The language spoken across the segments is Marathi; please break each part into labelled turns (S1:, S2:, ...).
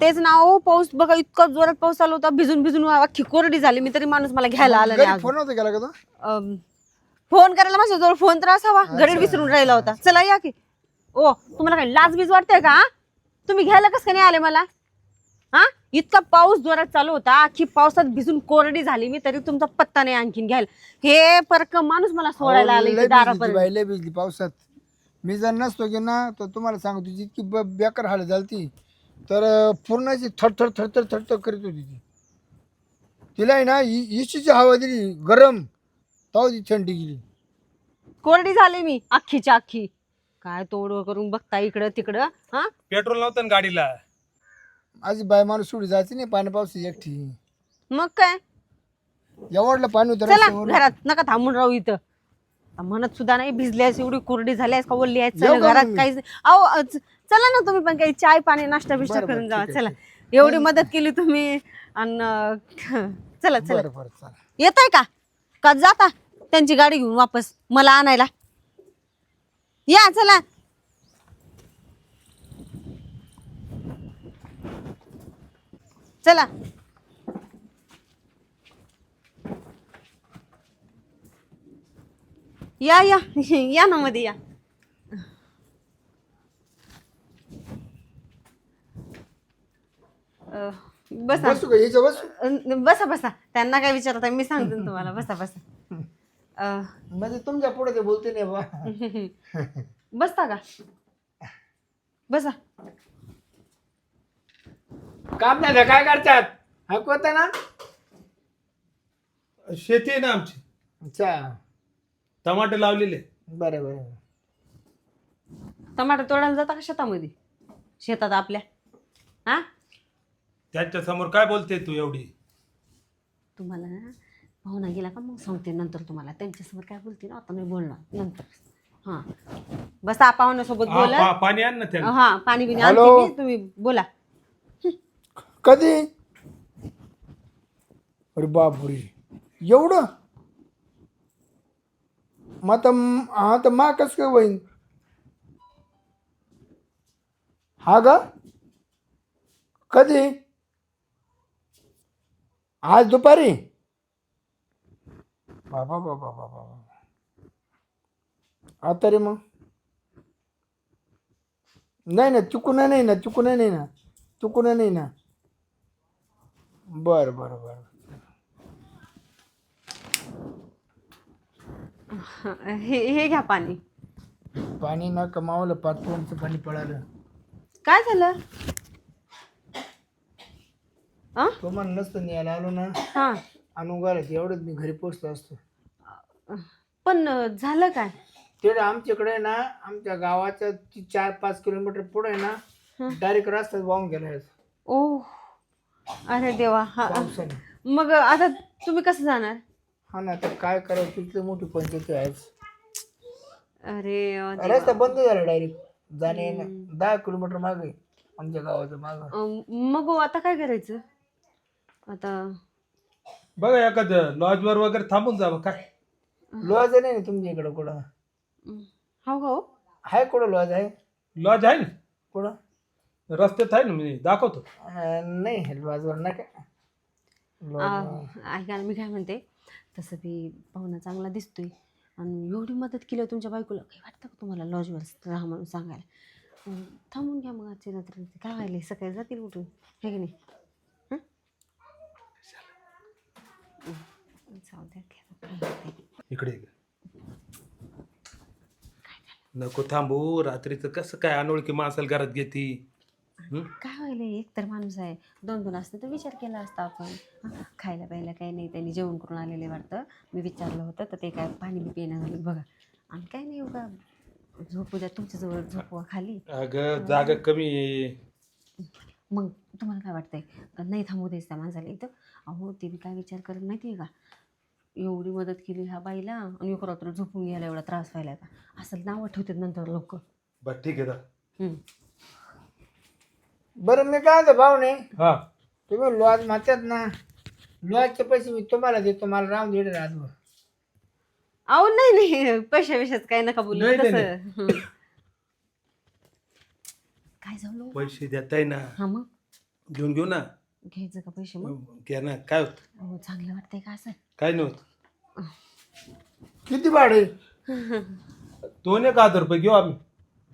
S1: तेच ना हो, पाऊस बघा इतका जोरात पाऊस चालू होता, भिजून भिजून अख्खी कोरडी झाली मी, तरी माणूस मला घ्यायला आला नाही
S2: फोन
S1: अजून.
S2: नव्हता केला का तो?
S1: फोन करायला माझ्याजवळ फोन तर असावा, घडीत विसरून राहिला होता. चला या की. ओ तुम्हाला काही लाज बीज वाटतंय का? तुम्ही घ्यायला कसं काय नाही आले मला? हा, इतका पाऊस जोरात चालू होता, अख्खी पावसात भिजून कोरडी झाली मी, तरी तुमचा पत्ता नाही आणखीन घ्यायला. हे परक माणूस मला सोडायला आले
S2: लय भिजली ती
S1: दारापर्यंत.
S2: बाई, लय भिजली पावसात. मी जर नसतो की ना तर तुम्हाला सांगतो इतकी बेकार हाल झाली तर पूर्णाची थरथर थरथर थरथर करीत होती ती. तिला आहे ना इशीची हवा दिली गरम, तेव्हा ती थंडी गेली.
S1: कोरडी झाली मी अख्खीच्या अख्खी. काय तोड करून बघता इकडं तिकडं. हा,
S3: पेट्रोल नव्हतं ना गाडीला.
S2: माझी बाय माणूस सोडी जायची नाही पाणी पावसाची एकटी.
S1: मग काय.
S2: एवढलं पाणी होतं
S1: चला
S2: रस्त्यावर.
S1: घरात, नका थांबून राहू इथं. आता म्हणत सुद्धा नाही, भिजल्यास एवढी कोरडी झाल्यास का ओल्ली आहेस, चला
S2: येऊ का
S1: घरात
S2: मग?
S1: काहीच अहो चला ना तुम्ही पण काही चाय पाणी नाश्ता बिष्टा
S2: बरं, बरं,
S1: करून जावा.
S2: ठीक आहे,
S1: चला एवढी मदत केली तुम्ही आणि चला चला.
S2: बरं बरं चला.
S1: येताय का जाता त्यांची गाडी घेऊन वापस मला आणायला? या चला. चला या या या ना मध्ये या. बसा
S2: बसू का याच्या बसू?
S1: बसा बसा. त्यांना काय विचारता मी सांगते ना तुम्हाला. बसा बसा.
S2: म्हणजे तुमच्या पुढे ते बोलते नाही बा.
S1: बसता का? बसा.
S2: काम नाही का? काय करतात? ऐकवत ना?
S3: शेती आहे ना आमची,
S2: अच्छा
S3: टमाटे लावलेले.
S2: बरं बरं.
S1: टमाटर तोडायला जाता का शेतामध्ये? शेतात आपल्या. हा,
S3: त्यांच्या समोर काय बोलते तू एवढी?
S1: तुम्हाला ना पाहुणा गेला का मग सांगते नंतर तुम्हाला. त्यांच्यासमोर काय बोलते ना आता मी बोलणार नंतर. हा बसा पाहुण्यासोबत बोला.
S3: पाणी आण ना त्याला.
S1: हा पाणी बिणी
S2: हॅलो?
S1: आणते मी, तुम्ही बोला.
S2: कधी? अरे बापरे एवढं? मग आता हा तर मा कसं काय होईन? हा गा कधी? आज दुपारी? बाबा बाबा बाबा. आता रे मग नाही ना, चुकून नाही ना, चुकून नाही ना, चुकून नाही ना. बरं बरं बरं.
S1: हे घ्या पाणी.
S2: पाणी ना कमावलं, पाचपोंचं पाणी पळालं.
S1: काय झालं? आ?
S2: तो मला नसतं न्यायला आलो ना
S1: हा,
S2: आणून घालायच एवढंच मी घरी पोचलो असतो.
S1: पण झालं काय?
S2: ते आमच्याकडे ना आमच्या गावाच्या 4-5 किलोमीटर पुढे आहे ना डायरेक्ट रस्त्यात वाहून गेला
S1: ओ अरे देवा. हा,
S2: पावसाने.
S1: मग आता तुम्ही कसं जाणार?
S2: हा ना, तर काय करावं, तिथली मोठी पंचायत आहे.
S1: अरे
S2: रस्ता बंद झाला डायरेक्ट जाणे येणं. 10 किलोमीटर मागे आमच्या गावाच्या मागं.
S1: मग आता काय करायचं आता?
S3: बघा एखादं लॉजवर वगैरे थांबून जावं काय.
S2: लॉज नाही ना तुमच्या इकडं कुठं?
S1: हो हो
S2: आहे कुठं लॉज आहे?
S3: लॉज आहे ना
S2: कुठं?
S3: रस्त्यात, आहे ना, मी दाखवतो.
S2: नाही लॉजवर नका.
S1: ऐका ना, मी काय म्हणते, तसं बी पाहुणा चांगला दिसतोय आणि एवढी मदत केली तुमच्या बायकोला, काही वाटतं का तुम्हाला लॉजवर राहा म्हणून सांगायला? थांबून घ्या मग आजच्या रात्री. काय व्हायला सकाळी जातील उठून, हे की नाही? जाऊ द्या.
S3: इकडे ये. नको थांबू, रात्रीचं कसं काय अनोळखी माणसाला घरात घेती.
S1: काय व्हायला, एक तर माणूस आहे, 2-2 असतं तर विचार केला असता आपण. खायला प्यायला काही नाही, त्यांनी जेवण करून आलेले वाटतं. मी विचारलं होतं तर ते काय पाणी बी पिणं झालं बघा. आणि काय नाही उगा झोपू द्या, तुमच्याजवळ झोपवा खाली.
S3: अगं जागा कमी आहे.
S1: मग तुम्हाला काय वाटतंय का नाही थांबू द्यायचं त्या माणसाला इथं? अहो ते बी काय विचार करत माहिती आहे का, एवढी मदत केली ह्या बाईला आणि एक रात्र झोपून घ्यायला एवढा त्रास व्हायला का, असं नावं ठेवतात नंतर लोक.
S3: बरं ठीक आहे ना.
S2: बरं मी काय म्हणतो भाऊ नाही,
S3: हा
S2: तुम्ही लॉज म्हणतात ना, लॉजचे पैसे मी तुम्हाला देतो, मला राहून दे राजभर.
S1: अहो नाही नाही, पैशा विषयात काय नका बोलू
S3: नाही, नाही,
S1: तसं. काय झालं
S3: पैसे देताय ना.
S1: हा मग
S3: घेऊन घेऊ ना.
S1: घ्यायचं का पैसे मग?
S3: घ्या ना, काय होत?
S1: हो चांगलं वाटतंय का असं?
S3: काय नव्हतं.
S2: किती भाडे?
S3: 2,000 रुपये घेऊ आम्ही.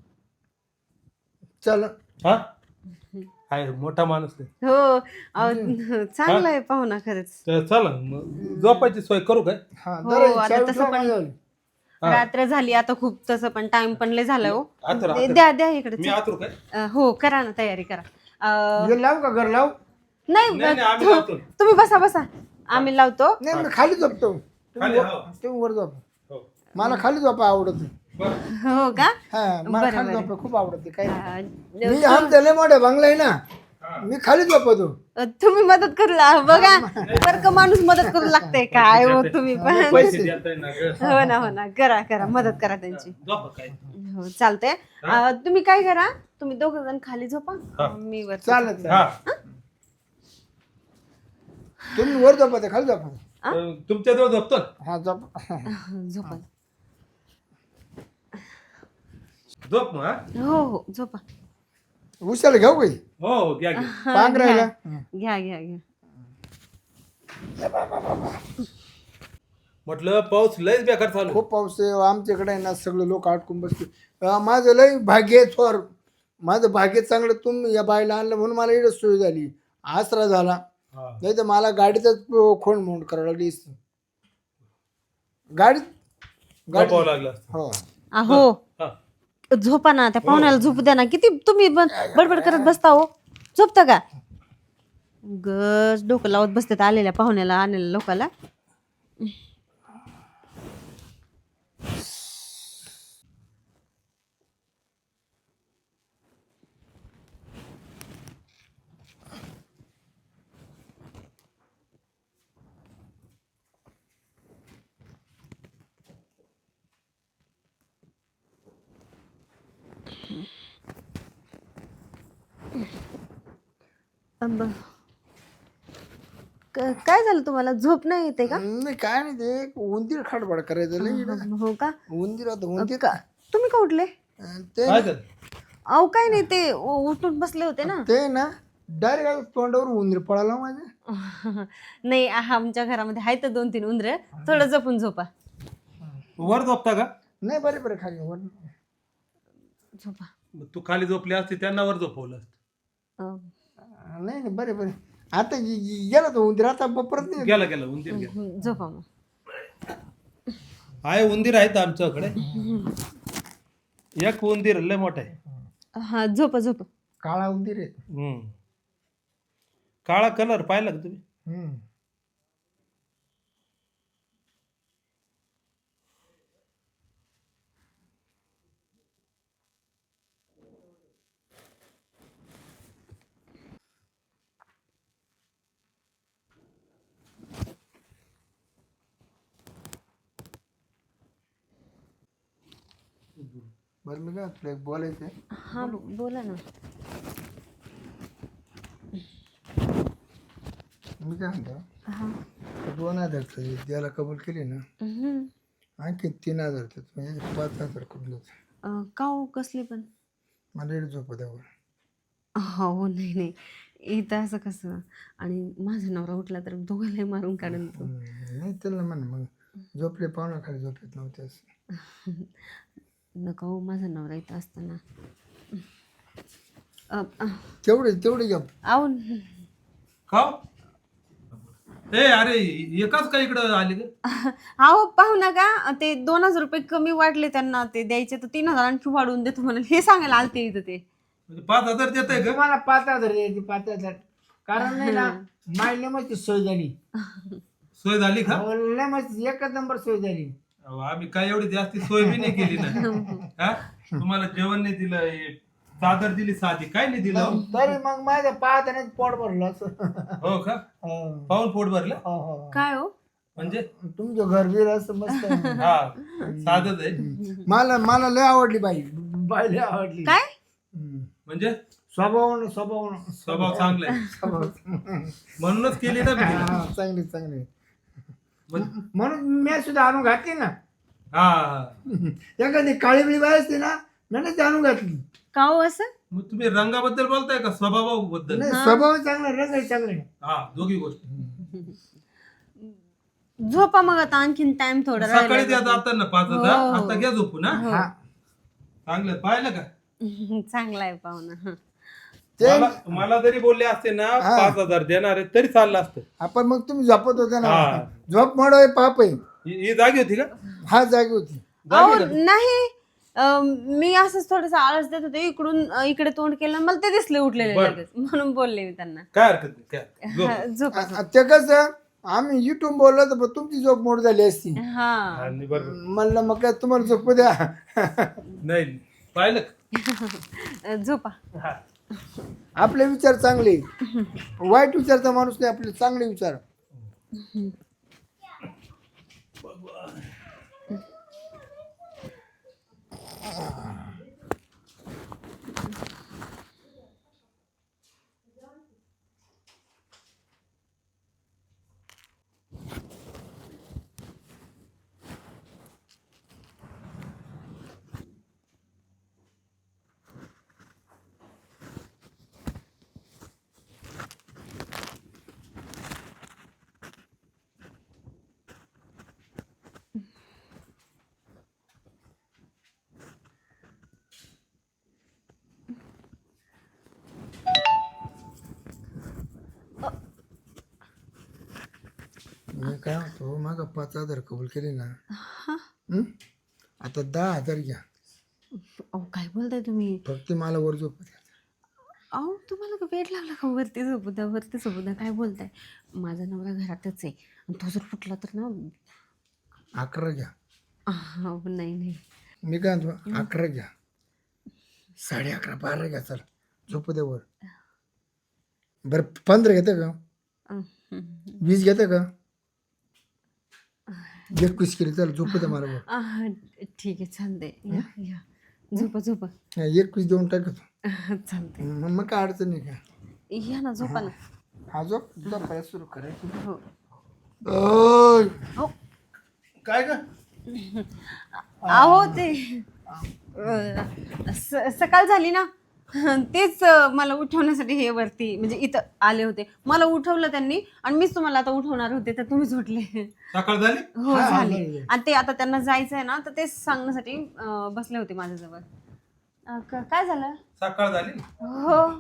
S2: चल
S3: हा आहे मोठा माणूस आहे.
S1: हो चांगलं आहे पाहुणा खरंच.
S3: तर चला मग झोपायची सोय करू काय?
S2: हा
S1: हो,
S2: जरा
S1: आता
S2: चावी
S1: तसं
S2: ठेवा
S1: पण-
S2: माझ्यावर.
S1: रात्र झाली आता खूप, तसं पण टाइम पण लय झालाय हो.
S3: आतर
S1: द्या द्या इकडे.
S3: मी आतुर काय?
S1: हो करा ना, तयारी करा.
S2: हे लाव का घर लाव?
S1: नाही
S3: नाही, नाही, आम्ही लावतो.
S1: तुम्ही बसा बसा, आम्ही लावतो.
S2: नाही मी खाली झोपतो.
S3: खाली, हो.
S2: तुम्ही वर झोप.
S3: हो.
S2: मला खाली झोपा आवडत.
S3: बरं.
S1: हो का?
S2: हा मला
S1: बरं,
S2: खाली
S1: बरं.
S2: झोपा खूप आवडते. काय
S1: अं,
S2: मी आमच्या लय मोठे बंगला आहे ना, मी खाली झोपतो.
S1: तुम्ही मदत करू बघा, बरं का माणूस मदत करू लागते काय हो तुम्ही पण.
S3: पैसे देताय ना ग.
S1: हो ना हो ना, करा करा मदत करा त्यांची.
S3: झोपा काय.
S1: हो चालतंय. तुम्ही काय करा, तुम्ही दोघं जण खाली झोपा, मी वर.
S2: चालत
S3: हा
S2: तुम्ही वर झोपा खाली झोपा.
S3: तुमच्या जवळ झोपतो.
S2: हा झोप.
S1: झोपा.
S3: झोप मग. हा?
S1: हो हो झोपा.
S2: उशाला घेऊ काही
S3: हो घ्या घ्या.
S2: पांघरायला.
S1: घ्या घ्या घ्या.
S3: म्हटलं पाऊस लयच बेकार चालू.
S2: खूप पाऊस आहे आमच्याकडे आहे ना, सगळे लोक अडकून बसते. माझं लय भाग्य आहे थोर, माझं भाग्य चांगलं. तुम्ही या बाईला आणलं म्हणून मला इकडे सोय झाली, आसरा झाला.
S3: हा.
S2: नाही तर मला गाडीचाच खोंड मोंड करावं लागली असती. गाडी
S3: झोपावं लागलं.
S2: हो
S1: अहो
S3: हा.
S1: झोपा ना, त्या पाहुण्याला झोपू द्या ना. किती तुम्ही पण बडबड करत बसता हो. झोपता का? गज डोकं लावत बसतात आलेल्या पाहुण्याला, आलेल्या लोकाला. अंब. काय झालं तुम्हाला? झोप नाही येते का?
S2: नाही काय नाही, ते एक उंदीर खाडबाड करायचं लय इकडं.
S1: हो का?
S2: उंदीर होतं उंदीर.
S1: का तुम्ही का उठले?
S2: ते
S3: काय झालं?
S1: अहो काय नाही, ते उठून बसले होते ना.
S2: ते ना डायरेक्ट तोंडावर उंदीर पळाला माझ्या.
S1: नाही आमच्या घरामध्ये आहेत 2-3 उंदरे, थोडं जपून झोपा.
S3: वर झोपता का?
S2: नाही बरे बरे खाली वर.
S1: झोपा.
S3: तू खाली झोपली असती त्यांना वर झोपवलं असतं.
S2: नाही नाही बरे बरे. आता गेला तो उंदीर, आता परत नाही.
S3: गेला गेला उंदीर गेला.
S1: झोपा मग.
S3: आहे उंदीर आहेत आमच्याकडे. एक उंदीर लय मोठा आहे.
S1: हा झोपा झोपा.
S2: काळा उंदीर आहे.
S3: काळा कलर पाहिला का तुम्ही?
S2: बरं मी काय तुला एक बोलायचं आहे.
S1: हा बोला ना.
S2: मी काय म्हणतो,
S1: हा.
S2: 2,000 द्यायला कबूल केली ना,
S1: हम्म.
S2: आणखी 3,000 म्हणजे 5,000 कबूल होते.
S1: का हो, कसली पण?
S2: मला इकडे झोप द्यावर.
S1: हो नाही नाही, इथं असं कसं? आणि माझा नवरा उठला तर दोघांनाही मारून काढून तो.
S2: नाही त्याला म्हण मग झोपले पाहुणा खाली झोपलेत नव्हते असं.
S1: नका हो, माझा नवरा इथं असताना.
S2: तेवढे घ्या.
S1: आहो
S3: खाऊ. ए अरे एकाच का इकडं आले ग?
S1: अहो पाहू नका, ते 2,000 रुपये कमी वाटले त्यांना, ते द्यायचे तर 3,000 आणखी वाढवून देतो म्हणून हे सांगायला आलते इथं ते.
S3: म्हणजे 5,000 देत आहे का?
S2: तुम्हाला 5,000 द्यायची 5,000. कारण नाही ना मायला मस्त सोय झाली.
S3: सोय झाली का?
S2: मस्त एकच नंबर सोय झाली.
S3: अहो, आम्ही काय एवढी जास्ती सोय बी नाही केली ना. हा? तुम्हाला जेवण नाही दिलं, हे चादर दिली साधी, काय नाही दिलं.
S2: तरी मग माझं पाहताना पोट भरलं असं.
S3: हो का? पाहून पोट भरलं
S1: काय हो?
S3: म्हणजे?
S2: तुमचं घर बीर असं मस्त आहे.
S3: हा साधच आहे.
S2: मला लय आवडली बाई. बाई लय आवडली.
S1: काय
S3: म्हणजे
S2: स्वभाव
S3: चांगला आहे म्हणूनच केली ना मी तिला.
S2: चांगली चांगली.
S3: म्हण-
S2: म्हणून मी सुद्धा आणून घातली ना.
S3: हा
S2: एखादी काळी बिळी बाई असते ना, मी आणून घातली.
S1: का हो असं?
S3: मग तुम्ही रंगाबद्दल बोलताय का स्वभावाबद्दल?
S2: नाही स्वभाव चांगला रंग चांगला आहे.
S3: हा, दोघी गोष्टी.
S1: झोपा मग आता, आणखीन टाइम थोडा
S3: सकाळी
S1: राहिला.
S3: द्या जाताना 5 हजार, आता घ्या झोपून.
S2: हा
S3: चांगलं पाहिलं का?
S1: चांगला आहे पाहुणा.
S2: ते
S3: मला जरी बोलले असते ना 5,000 देणार आहे तरी चाललं असतं.
S2: आपण मग तुम्ही झोपत होते ना,
S3: हा.
S2: झोप मोड आहे पाप आहे.
S3: ही जागी होती का?
S2: हा जागी होती.
S1: अहो नाही, मी असंच थोडस आळस देत होते, इकडून इकडे तोंड केलं, मला ते दिसले उठलेले
S3: बरं.
S1: लगेच, म्हणून बोलले मी त्यांना.
S3: काय हरकत नाही, काय झोप.
S1: झोपा.
S2: ते कसं आम्ही युट्यूब बोललो तर पण तुमची झोप मोड झाली असती.
S1: हा
S3: आणि बरोबर.
S2: म्हणलं मग काय तुम्हाला झोपू द्या.
S3: नाही पाहिलं का?
S1: झोपा.
S3: हा.
S2: आपले विचार चांगले, वाईट विचारचा माणूस नाही, आपले चांगले विचार. मी काय म्हणतो, माग 5,000 कबूल केले ना, आता 10,000 घ्या.
S1: अहो काय बोलताय तुम्ही?
S2: फक्त मला वर झोपू द्या.
S1: अहो तुम्हाला का वेळ लागला का? वरती झोपू द्या, वरती झोपू द्या. काय बोलताय? माझा नवरा घरातच आहे, आणि तो जर फुटला तर ना.
S2: 11 घ्या.
S1: नाही नाही.
S2: मी काय म्हणतो, 11 घ्या, 11:30 12 घ्या, चल झोपू द्या वर. बरं 15 घेतं का? 20 घेतं का? 21 केली, चल झोपू द्या मला वर.
S1: ठीक आहे, चालतंय. या या, झोपा झोपा.
S2: 21 देऊन टाकतो.
S1: चालतंय.
S2: मग काय अडचण नाही का?
S1: या ना, झोपा ना.
S2: हा झोप, तुझा पाय सुरू करायचं.
S1: हो
S2: ओय.
S1: हो.
S2: काय का?
S1: अहो ते सकाळ झाली ना, तेच मला उठवण्यासाठी हे वरती म्हणजे इथं आले होते. मला उठवलं त्यांनी, आणि मीच तुम्हाला आता उठवणार होते, तर तुम्ही झोटले.
S3: सकाळ झाली.
S1: हो झाली. आणि ते आता त्यांना जायचं आहे ना, तर तेच सांगण्यासाठी बसले होते माझ्याजवळ. काय झालं?
S3: सकाळ झाली.
S1: हो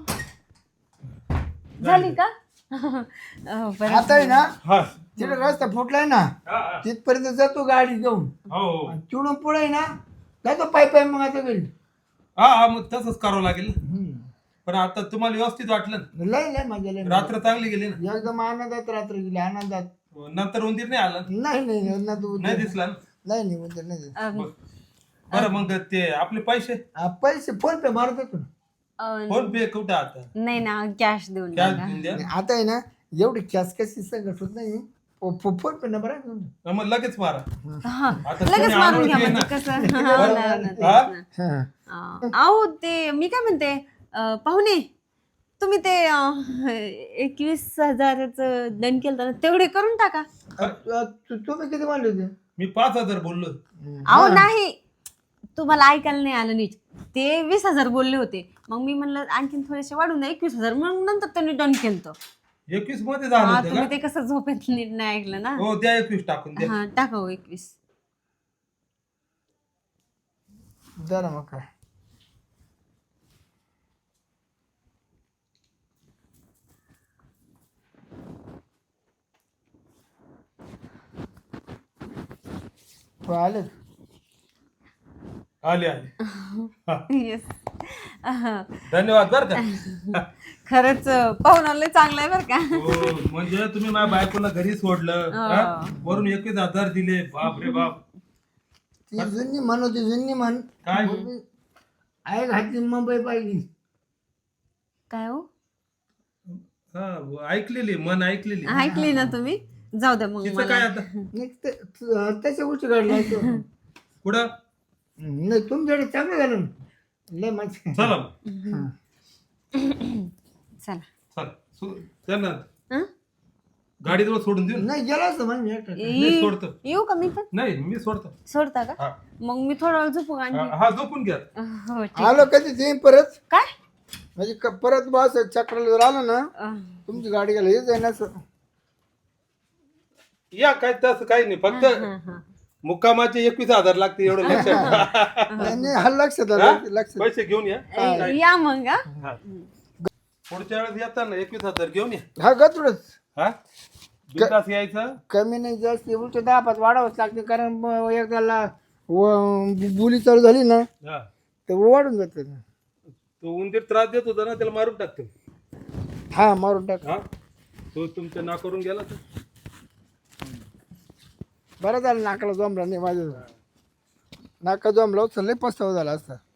S1: झाली का? बरं.
S2: आता आहे ना,
S3: हा.
S2: तिकडे रस्ता फुटलाय ना,
S3: हा, हा.
S2: तिथपर्यंत जातो गाडी घेऊन.
S3: हो.
S2: तिकडून पुढे आहे ना, जातो पाय पाय मग आता घरी.
S3: हा मग तसंच करावं लागेल ना. पण आता तुम्हाला व्यवस्थित वाटलं ना?
S2: लय लय मजा लय.
S3: रात्र चांगली गेली ना?
S2: एकदम आनंदात रात्र गेली, आनंदात.
S3: नंतर उंदीर नाही आला?
S2: नाही नाही नाही, ना तू
S3: नाही दिसला ना?
S2: नाही नाही उद्या नाही दिसला.
S3: बरं मग ते आपले पैसे
S2: पैसे फोन पे मारत होतो ना.
S3: फोन पे कुठे आता?
S1: नाही ना, कॅश देऊन
S3: कॅश
S1: टाका.
S3: देऊन द्या.
S2: आता आहे ना, एवढी कॅश कशी संकट होत नाही. फोन पे नंबर आहे तुमचा?
S3: मग लगेच मारा.
S1: हा,
S3: आता
S1: लगेच
S3: कोणी
S1: मारून
S3: अनोळखी
S1: घ्या
S3: आहे
S1: म्हणजे
S3: ना?
S1: कसं. हो ना, हो ना, तेच
S3: हा?
S1: ना.
S2: हा.
S1: अहो ते मी काय म्हणते, पाहुणे तुम्ही ते 21,000च दंड केलं ना, तेवढे करून टाका.
S2: तुम्ही किती मानले होते?
S3: मी 5,000 बोललो.
S1: अहो नाही, तुम्हाला ऐकायला नाही आलं नीट. ते 20,000 बोलले होते, मग मी म्हणलं आणखीन थोडेसे वाढून द्या 21,000, मग नंतर त्यांनी डन केलं.
S3: 21 मध्ये झालं होतं
S1: तुम्ही
S3: का?
S1: ते कसं झोपेत नीट नाही ऐकलं ना.
S3: हो द्या 21 टाकून द्या.
S1: हा टाका हो 21.
S2: जरा मग काय. आले
S3: आले आले.
S1: येस.
S3: धन्यवाद बर का.
S1: खरंच पाहुणा लय चांगला आहे बरं का.
S3: हो म्हणजे तुम्ही माझ्या बायकोला घरी सोडलं, हा? वरून 21,000 दिले. बाप रे बाप.
S2: ती जुनी म्हण होती, जुनी म्हण.
S3: काय?
S2: आई घातली मुंबई पाहिली.
S1: काय हो?
S3: हा ऐकलेली, मन ऐकलेली.
S1: ऐकली ना तुम्ही? जाऊ द्या मग
S3: तिचं काय
S1: मला.
S3: आता?
S2: त्याच्या गोष्टी घडल्या
S3: कुठं?
S2: नाही तुमच्याकडे चांगलं झालं ना. लय माणसं.
S3: चला
S1: चला.
S3: चल त्यांना
S1: हं?
S3: गाडीजवळ सोडून देऊ ना?
S2: नाही गेला असं म्हणजे एकटा.
S3: मी सोडतो.
S1: येऊ का मी पण?
S3: नाही मी सोडतो.
S1: सोडता का?
S3: हा
S1: मग मी थोडा वेळ झोपू का आणखी?
S3: हा झोपून घ्या.
S1: हो ठीक.
S2: आलो कधी ते परत.
S1: काय?
S2: म्हणजे परत बस चक्राला जर आलं ना
S1: अं,
S2: तुमची गाडी गेला हेच आहे ना
S3: या काय तसं काही नाही फक्त मुक्कामाचे 21,000 लागते एवढं लक्षात ठेवा.
S2: नाही हा लक्षात
S3: हा?
S2: आलं लक्षात
S3: पैसे घेऊन या
S1: या मग हा.
S3: हा. पुढच्या वेळेस येताना 21,000 घेऊन या
S2: हा गतुडच
S3: हा बिनधास्त यायचं.
S2: कमी नाही जास्त उलट 10-5 वाढावंच लागते कारण एकदा बोली चालू झाली ना
S3: हा
S2: तर वाढून जात
S3: तो उंदीर त्रास देत होता ना त्याला मारून टाकतो.
S2: हा मारून टाक
S3: हा तो तुमच्या ना करून गेला तर
S2: बरं झालं नाकाला जमला नाही माझं नाका जमला होतं लय पस्तावा झाला असता